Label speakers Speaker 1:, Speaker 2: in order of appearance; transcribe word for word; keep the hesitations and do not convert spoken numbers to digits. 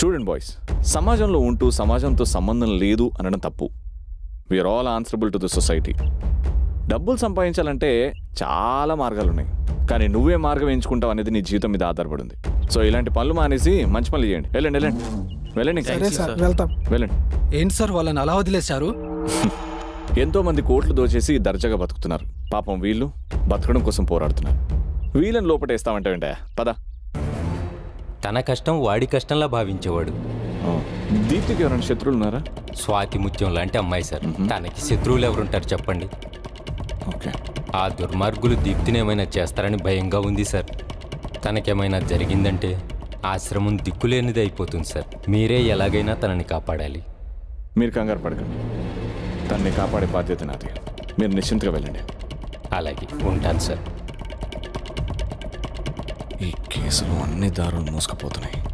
Speaker 1: చూడండి బాయ్స్, సమాజంలో ఉంటూ సమాజంతో సంబంధం లేదు అనడం తప్పు. We are all answerable to the society. డబ్బులు సంపాదించాలంటే చాలా మార్గాలు ఉన్నాయి, కానీ నువ్వే మార్గం ఎంచుకుంటావు అనేది నీ జీవితం మీద ఆధారపడింది. సో ఇలాంటి పనులు మానేసి మంచి పనులు చేయండి. వెళ్ళండి వెళ్ళండి వెళ్ళండి
Speaker 2: సరే సార్, వెళ్తాం.
Speaker 1: వెళ్ళండి.
Speaker 2: ఏంటి సార్ వాళ్ళని అలా వదిలేశారు?
Speaker 1: ఎంతో మంది కోట్లు దోచేసి దర్జాగా బతుకుతున్నారు. పాపం వీళ్ళు బతకడం కోసం పోరాడుతున్నారు. వీళ్ళని లోపటేస్తామంటే వెంట పద.
Speaker 3: తన కష్టం వాడి కష్టంలా భావించేవాడు.
Speaker 1: దీప్తికి ఎవరైనా శత్రువులు ఉన్నారా?
Speaker 3: స్వాతి ముత్యం లాంటి అమ్మాయి సార్. తనకి శత్రువులు ఎవరుంటారు చెప్పండి?
Speaker 1: ఓకే.
Speaker 3: ఆ దుర్మార్గులు దీప్తిని ఏమైనా చేస్తారని భయంగా ఉంది సార్. తనకేమైనా జరిగిందంటే ఆశ్రమం దిక్కులేనిది అయిపోతుంది సార్. మీరే ఎలాగైనా తనని కాపాడాలి.
Speaker 1: మీరు కంగారు పడకండి, తనని కాపాడే బాధ్యత నాది. మీరు నిశ్చింతగా వెళ్ళండి.
Speaker 3: అలాగే ఉంటాను సార్.
Speaker 1: ఈ కేసులు అన్ని దారులు మోసుకుపోతున్నాయి.